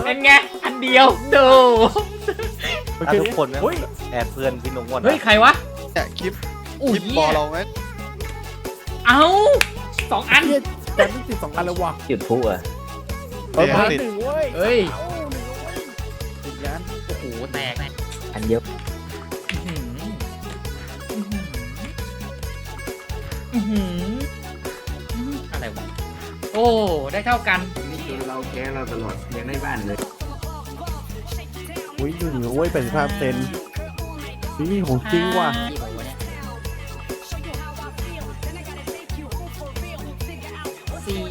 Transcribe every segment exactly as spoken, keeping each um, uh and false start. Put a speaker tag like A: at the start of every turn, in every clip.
A: เป็นไงอันเดียวดู
B: ทุกคนนะแอบเพื่อนพี่นุ๊กหมด
A: เฮ้ยใครวะ
C: เนี่ยคลิป
A: อุ้
C: ค
A: ย
C: ลิปบอลเราไหม
A: เอ้าสองอัน
D: แต่ไม่ติดสองอันแล้ววะ
B: จุดพลุอ่ะ
D: เออมาหนึ่งเว้ย
A: เฮ้ย
D: ติดยัน
A: โอ้โหแตก
B: อันเดียว
A: อื้อหืออื้อหืออื้อหืออะไรวะโอ้ได้เท่ากัน
E: นี่คือเราแก้เราตลอดยังได้บ้านเลย
D: อุ้ยหนึ่งเว้ยแปดสิบห้าเปอร์เซ็นต์นี่ของจริงว่ะ
A: กี่ใบวะเนี่ยสี่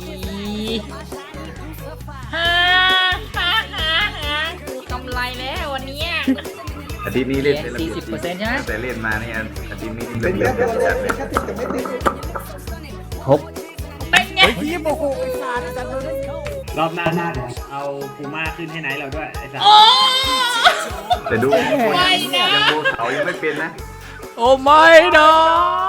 A: ห้าห้าห้าห้ากูกำไรแล้ววันเนี้ย
E: อาทิตย์นี้เล่นเป็น
A: สี่สิบเปอร์เซ็นต์ใช่ไหม
E: แต่เล่นมาเนี่ยอาทิตย์นี้เล่นเล่นเป็นจัดเลย
B: ครบ
A: เป็นไง
D: เฮ้ยพี่โมโหไอ้สัตว์จัดเลย
F: รอบหน้าหน้าเดี๋ยวเอาปูม่าขึ้นให้ไหนเราด้วยไอ้สัส
A: โอ้
E: แต่ดู
A: ไม่นะ
E: ยังโบเขายังไม่เป็นนะ
A: โอ้ไม่นะ